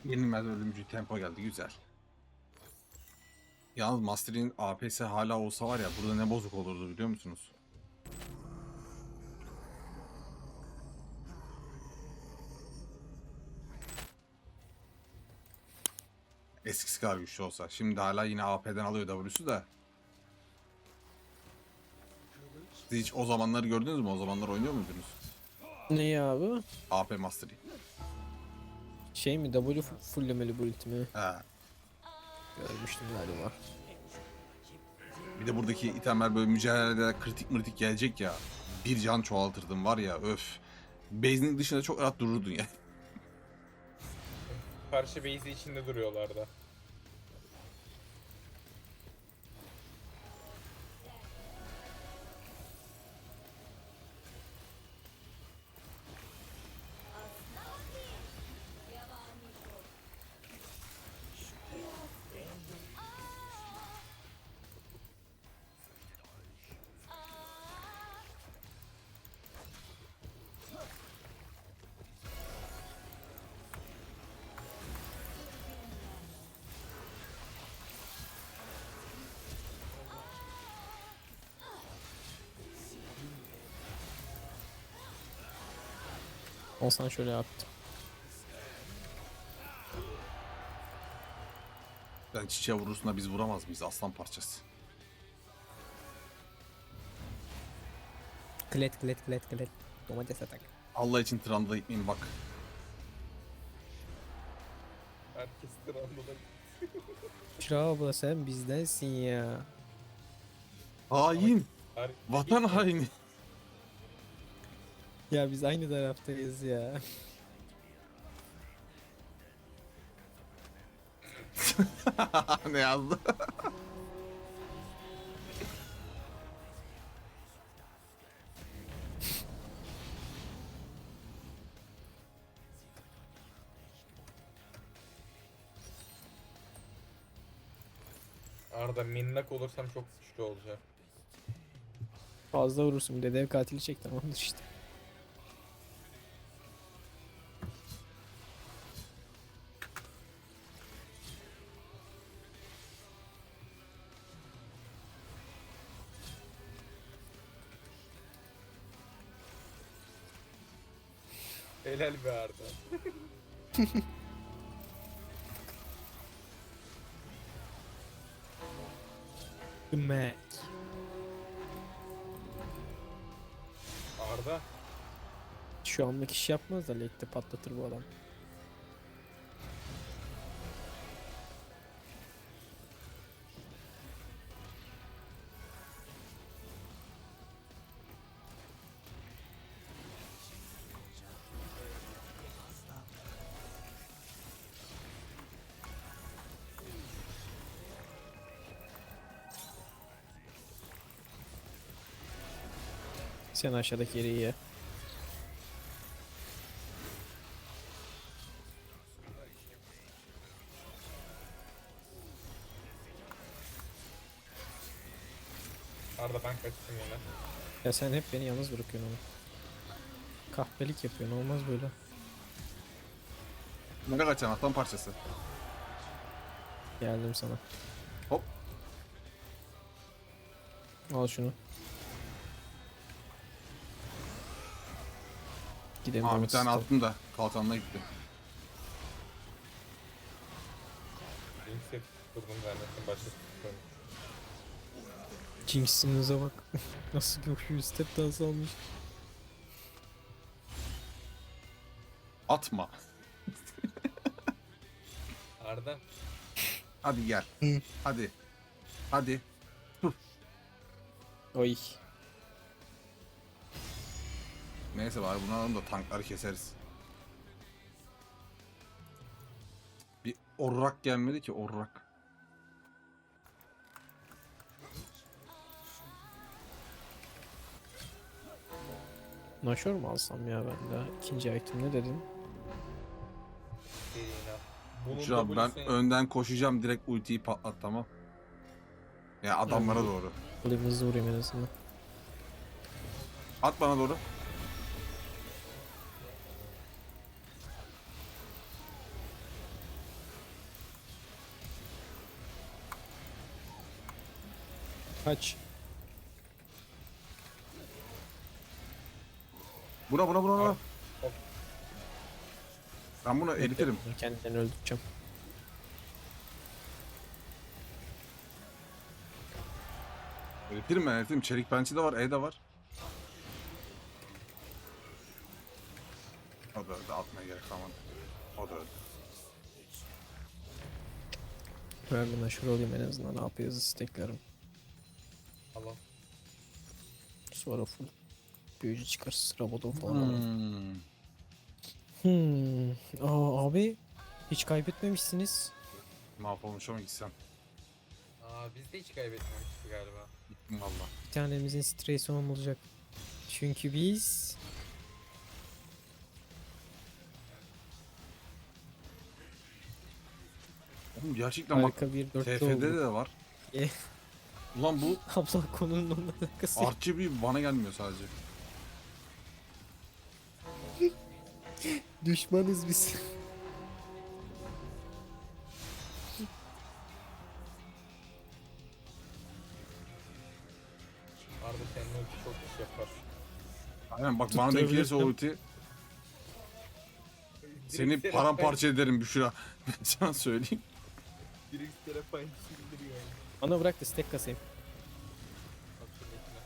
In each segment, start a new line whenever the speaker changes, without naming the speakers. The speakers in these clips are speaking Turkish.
Yenilmez ölümcül tempo geldi, güzel. Yalnız Master'in AP'si hala olsa var ya, burada ne bozuk olurdu biliyor musunuz? Eskisi kadar güçlü olsa. Şimdi hala yine AP'den alıyor W'su da. Siz hiç o zamanları gördünüz mü? O zamanlar oynuyor muydunuz?
Ne ya abi?
AP Master'ı.
Şey mi W fulllemeli bu ultimi?
He.
Görmüştüm galiba.
Bir de buradaki itemler böyle mücadelede kritik gelecek ya. Bir can çoğaltırdım var ya, öf. Base'nin dışında çok rahat dururdun ya.
Karşı base'i içinde duruyorlardı.
Olsan şöyle yaptım.
Sen çiçeğe vurursun da biz vuramaz mıyız aslan parçası?
Klet. Domates atak.
Allah için Trundle'a gitmeyin bak.
Herkes Trundle'a.
Şura abla sen bizdensin ya.
Hain!
Her...
Vatan haini!
Ya biz aynı taraftayız ya.
Ne yazdı?
Arda minnak olursam çok güçlü olacak.
Fazla vurursun bir de dev katili çek tamamdır işte.
Helal be Arda.
Mek.
Arda.
Şu anlık iş yapmaz da late'de patlatır bu adam. Sen aşağıdaki yeri ye.
Arda ben kaçtım yine.
Ya sen hep beni yalnız bırakıyorsun ama. Kahpelik yapıyorsun olmaz böyle.
Nereye kaçacaksın aslan parçası?
Geldim sana.
Hop.
Al şunu. Gidelim.
Aa, bir tane attım da kalkanına gitti.
Jinx'e tutturdum zannettim başka tutturdum.
Jinx'inize bak. Nasıl görüyor step dansı almış.
Atma.
Arda.
Hadi gel. Hadi. Hadi.
Oy.
Neyse bari bunu alalım da tankları keseriz. Bir orrak gelmedi ki orrak.
Nashor mu alsam ya ben de? İkinci item ne dedin?
Serina. Bunun
Şurada ben
W'sini
önden koşacağım, direkt ultiyi patlat, tamam. Ya adamlara doğru.
Alayım hızlı vurayım en azından.
At bana doğru.
Kaç.
Buna.
Hop.
Ben bunu eritirim.
Kendilerini öldüreceğim.
Eritirim. Çelik pençe de var, E de var. O da öldü. Atmaya gerek kalmadı. O da öldü.
Ben bir naşır olayım en azından. Ne yapıyoruz isteklerim.
Allah.
Sonra full büyücü çıkarız. Rabadon falan alırım. Abi hiç kaybetmemişsiniz.
Mahvolmuş ama gitsem.
Biz de hiç kaybetmemiştik galiba.
Gittim valla.
Bir tanemizin stresi olmayacak. Çünkü biz
Oğlum gerçekten bak.
harika bir dörtlü
TF'de
olduk.
de var.
E.
Ulan bu
Abla konunun onunla alakası yok.
artçı bir bana gelmiyor sadece.
Düşmanız biz.
Arda senin ulti çok iş yapar.
Aynen bak bana denk gelirse o
Tutturabilirsem.
ulti seni paramparça ederim Büşra. Ben sana söyleyeyim.
Direkt Serapine sildiriyor.
Bana bırak da stack kasayım.
Bak şuradakine.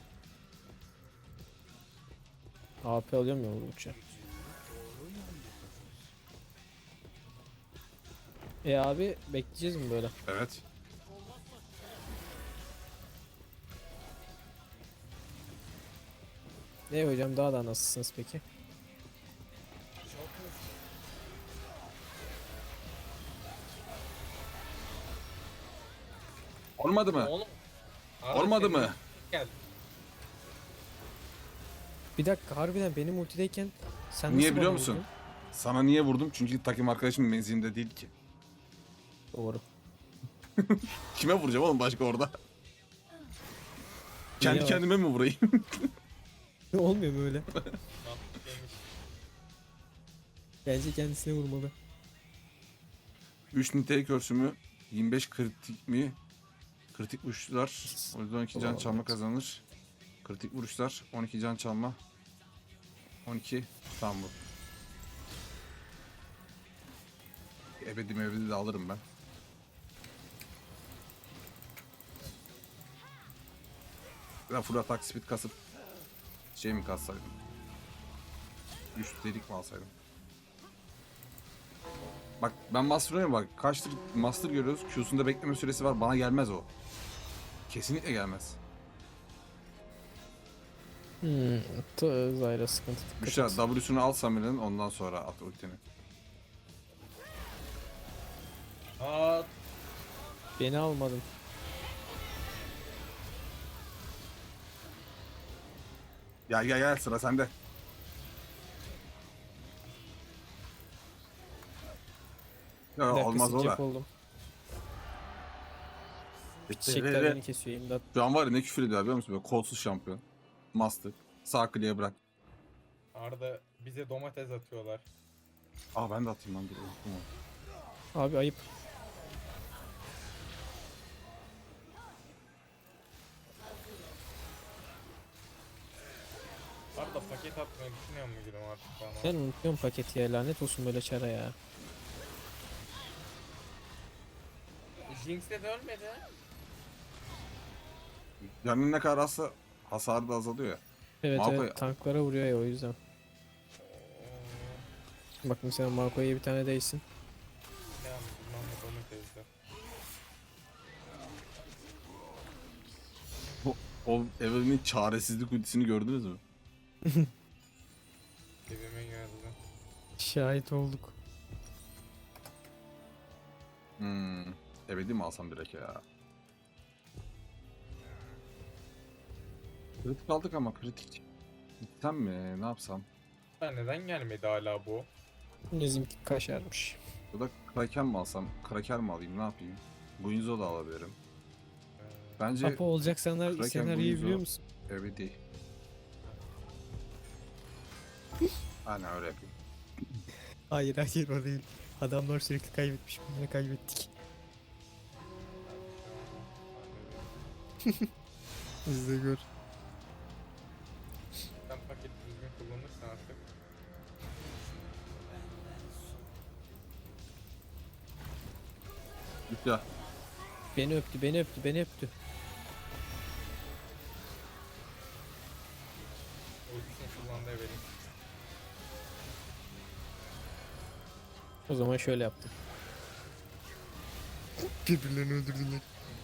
AP alıyorum ya vurdukça. Abi bekleyeceğiz mi böyle?
Evet.
Hocam daha da nasılsınız peki?
Olmadı mı?
Oğlum. Arda
Olmadı
senin
mı?
ulti geldi.
Bir dakika harbiden benim ultideyken sen
Niye
nasıl
biliyor
bana
musun?
vurdun?
Sana niye vurdum? Çünkü takım arkadaşım menzilinde değil ki.
Doğru.
Kime vuracağım oğlum başka orada? Kendi
var?
kendime mi vurayım?
Olmuyor mu öyle?
Mantıklıymış.
Bence kendisine vurmalı.
3 nitelik körsümü 25 kritik mi? Kritik vuruşlar. O yüzden 12 can
Olamaz.
çalma kazanır. Kritik vuruşlar 12 can çalma. 12 tamam bu. Ebedi de alırım ben. Ben full atak speed kasıp şey mi kassaydım? 3 delik mi alsaydım? Bak ben Master'a bak kaçtır Master görüyoruz. Q'sunda bekleme süresi var. Bana gelmez o. Kesinlikle gelmez.
Zayra sıkıntı. Dikkat
Büşra
et.
W'sunu al Samir'in ondan sonra at ultini.
Aa,
Beni almadın.
Gel sıra sende. Ya,
Bir dakika
olmaz o da.
sıcak oldum. Çiçekler beni kesiyor imdat.
Şu an var ya ne küfür ediyor biliyor musun? Böyle kolsuz şampiyon. Master. Sağ kliğe bırak.
Arda bize domates atıyorlar.
Aa ben de atayım lan dur. Unuttum onu.
Abi ayıp.
Arda paket atmayı düşünüyor mu gülüm artık bana?
Ben unutuyorum paketi ya, lanet olsun böyle çara ya.
Jinx'le de ölmedi.
Canın ne kadar azsa hasarı da azalıyor ya.
Evet
Malphite-
evet tanklara vuruyor ya o yüzden. Bak mesela Marco'ya bir tane değsin.
Ne bilmem ne domatesle.
O Evelyn'in çaresizlik ultisini gördünüz mü?
Dibime geldi.
Şahit olduk.
Ebedi mi alsam direkt ya? Kritik aldık ama kritik. Gitsem mi? Ne yapsam?
Ha, neden gelmedi hala bu?
Bizimki kaşarmış.
Ya da Kraken mi alsam? Kraker mi alayım? Ne yapayım? Guinzo da alabilirim. Bence
Apo olacak
Kraken
senaryoyu
Guinzo.
biliyor musun?
ebedi. Aynen öyle yapayım.
Hayır o değil. Adamlar sürekli kaybetmiş. Biz de kaybettik. İzle gör.
Sen paketi düzgün kullanırsan artık.
Güzel.
Beni öptü, beni öptü, beni öptü.
Ultisini kullandığı vereyim.
O zaman şöyle yaptım. Birbirlerini öldürdüler.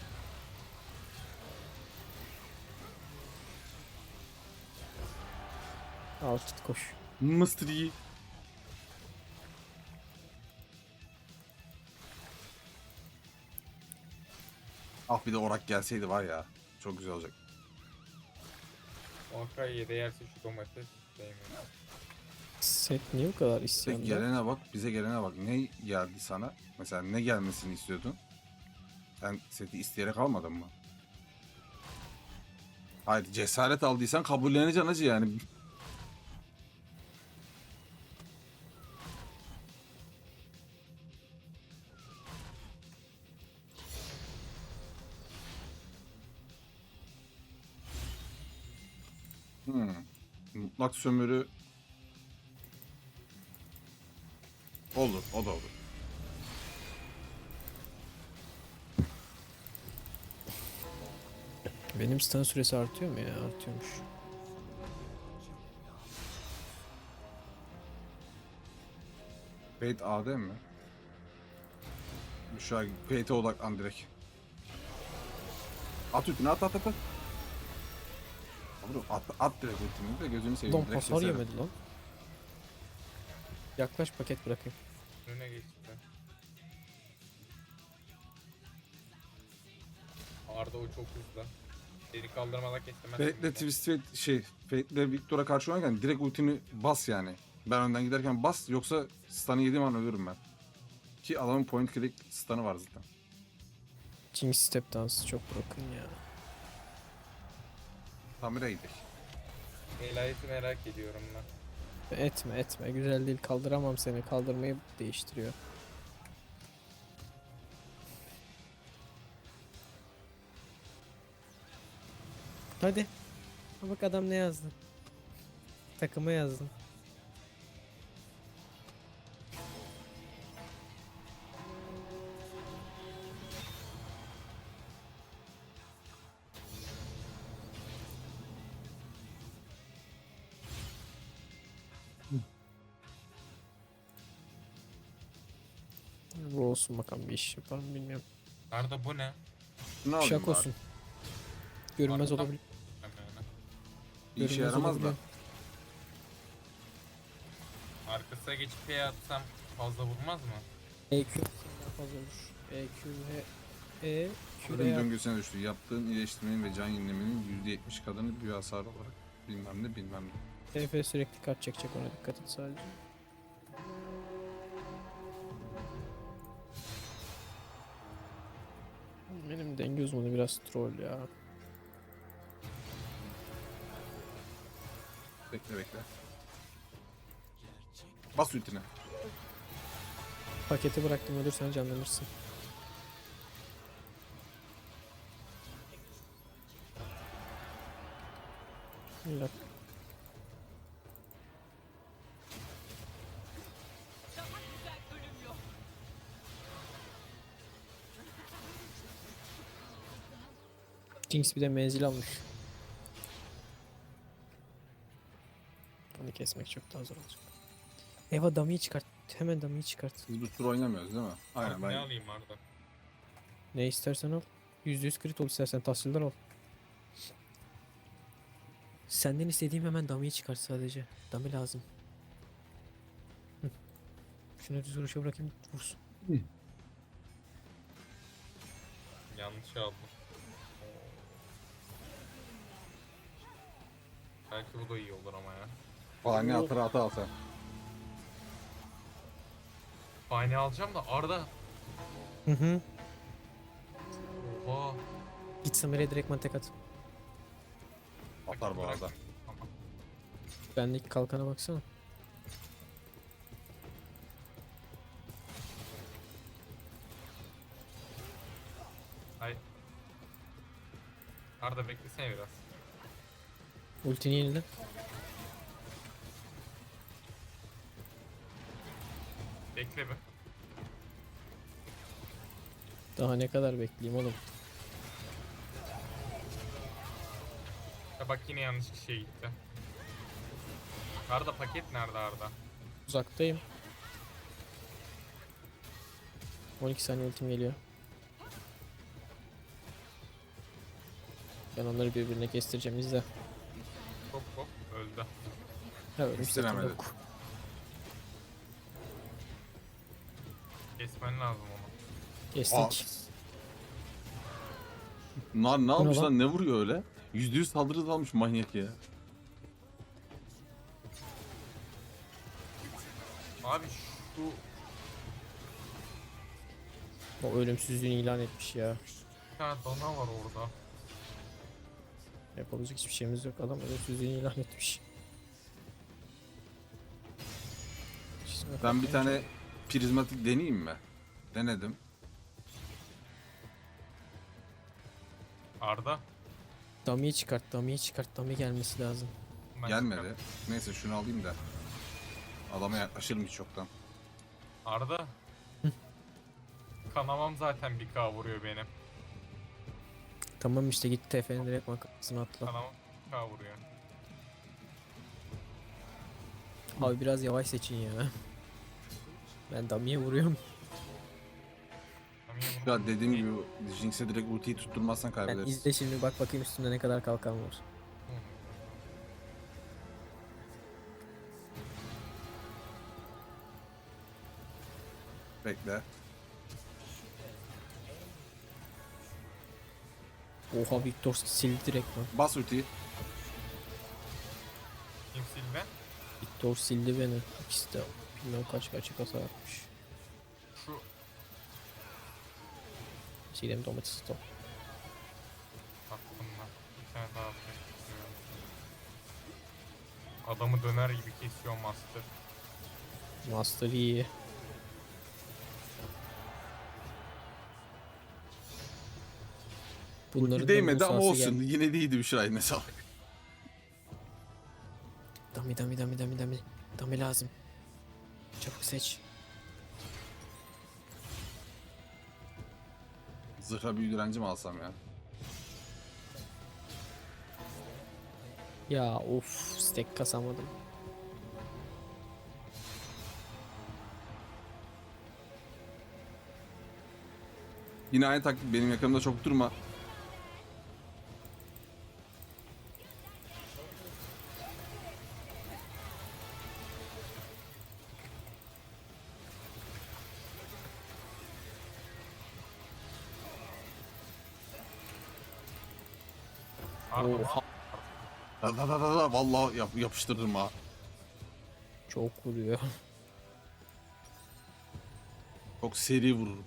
Al tut koş.
Mystery. Ah bir de orak gelseydi var ya. Çok güzel olacak.
O Akai'ye değerse şu domates değmiyor.
Set niye bu kadar
Peki
isyanda?
gelene bak, bize gelene bak. Ne geldi sana? Mesela ne gelmesini istiyordun? Sen seti isteyerek almadın mı? Hayır, cesaret aldıysan kabulleneceksin hacı yani. Mutlak sömürü olur, o da olur.
Benim stun süresi artıyor mu ya? Artıyormuş.
Fate AD mi? Şu an Fate'e odaklan direkt. At üstüne at at at at. Abi at direkt ultimini de gözünü seveyim.
Lan
Direkt
hasar
keserim.
yemedi lan. Yaklaş paket bırakayım.
Önüne geçti. Arda o çok hızlı. Seni kaldırmadan kesemezsin.
Fate'le Twist Fate Fate'le Victor'a karşı oynarken direkt ultini bas yani. Ben önden giderken bas yoksa stun'ı yediğim an ölürüm ben. Ki adamın point click stun'ı var zaten.
Jinx step dansı çok broken ya.
Tamir'e gidelim.
Elayeti merak ediyorum ben.
Etme etme güzel değil, kaldıramam seni, kaldırmayı değiştiriyor. Hadi. Ha bak adam ne yazdı. Takıma yazdım. Bu olsun bakalım, bir iş yapar mı bilmiyorum.
Arda bu ne?
Ne alayım
Şak
bari?
olsun. Görünmez
Arda-
olabilir.
Bir işe
Görünmez
yaramaz da.
olabiliyor.
Arkasına geçip P atsam fazla vurmaz mı?
EQ daha fazla olur. EQ ve Q
Ölüm
veya
döngüsüne düştü. Yaptığın iyileştirmenin ve can yenilemenin %70 kadını büyü hasarı olarak bilmem ne bilmem ne.
TF sürekli kart çekecek, ona dikkat et sadece. Benim denge uzmanı biraz troll ya.
Bekle bekle. Bas ultine.
Paketi bıraktım, ölürsen canlanırsın. İlla. Jinx bir de menzil almış. Bunu kesmek çok daha zor olacak. Eva dummy çıkart. Hemen dummy çıkart.
Biz bu tur oynamıyoruz değil mi? Aynen
Arda ne
ben.
alayım Arda?
Ne istersen al. %100 crit ol, istersen tahsildar ol. Senden istediğim hemen dummy çıkart sadece. Dummy lazım. Hı. Şunu düz vuruşa bırakayım, vursun.
Yanlış aldım. Belki bu da iyi olur ama ya.
Fani atır ata al sen.
Fani alacağım da Arda.
Hı hı.
Oha.
Git Samir'e direktman tek at.
Atar bu arada.
Tamam.
Bendeki kalkana baksana.
Hay. Arda beklesene biraz.
Ultini yenile.
Bekle be.
Daha ne kadar bekleyeyim oğlum.
Ya bak yine yanlış kişiye gitti. Arda paket nerede Arda?
Uzaktayım. 12 saniye ultim geliyor. Ben onları birbirine kestireceğim, izle.
Hop hop öldü.
Ha ölmüş zaten.
Kestiremedi.
Yok.
Kesmen lazım onu.
Kestik.
Bunlar ne
Bu ne
yapmış
lan?
lan? Ne vuruyor öyle? %100 saldırı almış manyak ya.
Abi şu
O ölümsüzlüğünü ilan etmiş ya.
bir tane dana var orada.
Yapabilecek hiçbir şeyimiz yok. Adam ölümsüzlüğünü ilan etmiş. Çizime
Ben bir
bakmayınca-
tane prizmatik deneyeyim mi? Denedim.
Arda.
Dummy'yi çıkart, dummy'yi çıkart. Dummy gelmesi lazım.
Ben
Gelmedi.
çıkarım.
Neyse şunu alayım da. Adama yaklaşırım hiç çoktan.
Arda. Kanamam zaten bir K vuruyor benim.
Tamam işte git TF'nin direkt makasını atla.
Kanamam bir K vuruyor.
Abi biraz yavaş seçin ya. Ben dummy'ye vuruyorum.
Tam iyi vurdu.
Ya dediğim gibi Jinx'e direkt ultiyi tutturmazsan
Ben
kaybederiz.
izle şimdi, bak bakayım üstümde ne kadar kalkan var.
Bekle.
Oha Victor sildi direkt lan.
Bas ultiyi.
Kim silme?
Victor sildi beni. İkisi de bilmem kaç açık hasar atmış.
Şu
Silem domates top.
attım ben. Bir tane daha atmak istiyorum. Adamı döner gibi kesiyor Master.
Master iyi. Bunların
Ulti
da
değmedi ama
Musa'sı
olsun.
geldi.
Yine de iyiydi bir şey. Ne sağlık.
Dummy dummy dummy dummy dummy. Dummy lazım. Çabuk seç.
Zırha büyü direnci mi alsam ya?
Ya of, stack kasamadım.
Yine aynı taktik, benim yakınımda çok durma.
Arda
Oha.
Vallahi yapıştırdım ha.
Çok vuruyor.
Çok seri vururum.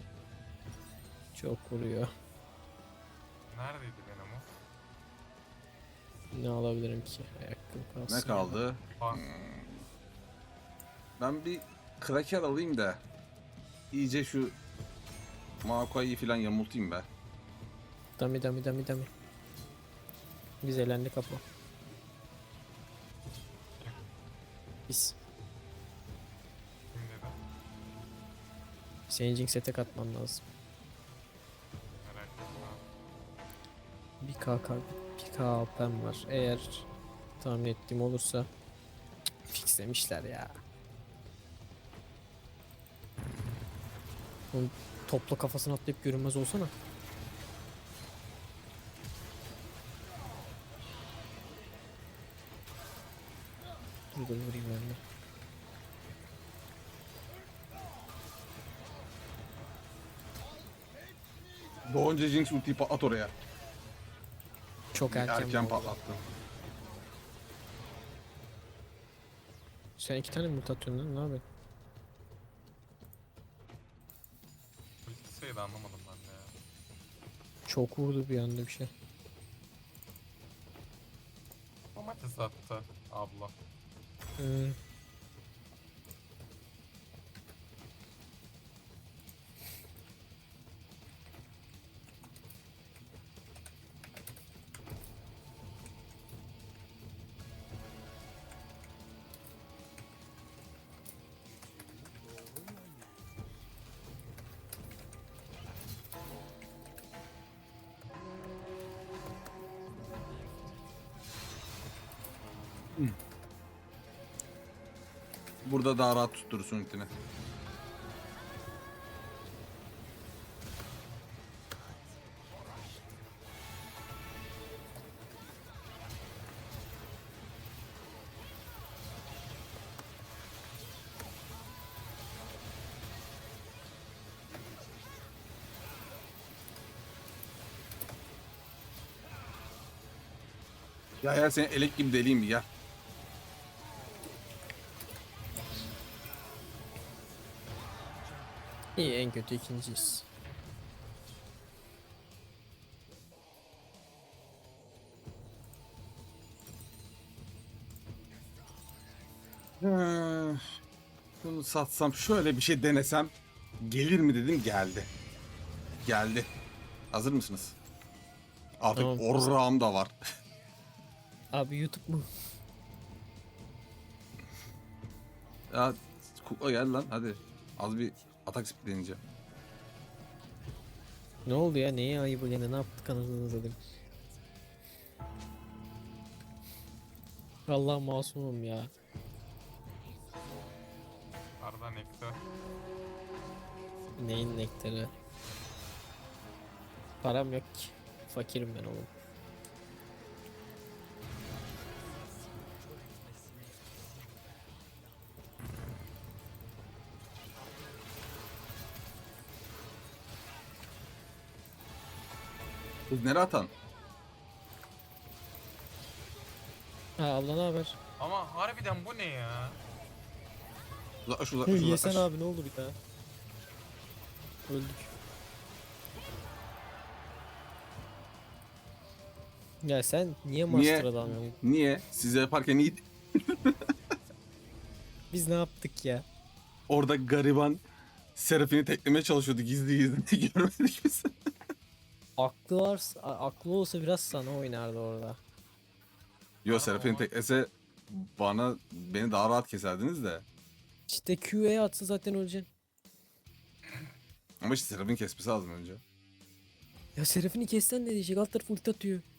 Çok vuruyor.
neredeydi benim o?
Ne alabilirim ki? Ayakkabı kalsın.
Ne kaldı?
Bak
Ben bir kraker alayım da iyice şu Maokai'yi falan yamultayım be.
Dummy dummy dummy dummy. Biz elendi kapı. Biz.
kim dedi?
Senin Jinx'e tek atman lazım.
Merak etme.
Bir KK, bir KP'm var. Eğer tahmin ettiğim olursa fixlemişler ya. Oğlum, topla kafasına atlayıp görünmez olsana. Dur vurayım ben de.
Doğunca Jinx ultiyi patlat oraya.
Çok erken,
Erken
bu arada.
patlattı.
Sen iki tane mi atıyorsun lan, ne yapıyorsun?
Politik sayıda anlamadım ben de ya.
Çok vurdu bir anda bir şey.
Domates attı abla.
Hmm.
Burada daha rahat tutturursun ultini. Ya seni elek gibi deliyim mi ya?
İyi, en kötü ikinciyiz.
Şunu satsam şöyle bir şey denesem gelir mi dedim, geldi. Geldi. Hazır mısınız? Artık
Tamam.
orrağım da var.
Abi YouTube mu?
Ya kukla gel lan hadi. Az bir atak speed deneyeceğim.
Ne oldu ya? Neye ayıbı gene? Ne yaptık anasını satayım? Allah masumum ya.
Arda nektar.
Neyin nektarı? Param yok ki. Fakirim ben oğlum.
Kız nereye atan?
Ha, abla ne haber?
Ama harbiden bu ne ya?
Uzaklaş uzaklaş
Yesen
uzaklaş.
abi, ne olur ya. Öldük. Ya sen niye
Niye?
master alamıyorsun?
Niye? Size yaparken iyi.
Biz ne yaptık ya?
Orada gariban Seraphine teklemeye çalışıyordu gizli gizli. Görmedik biz.
Aklı varsa, aklı olsa biraz sana oynardı orada.
Yo, Seraphine teklese beni daha rahat keserdiniz de.
İşte Q'ye atsa zaten öleceksin.
Ama işte Seraphine kesmesi lazım önce.
Ya Seraphine kessen ne diyecek? Alt tarafı ulti atıyor.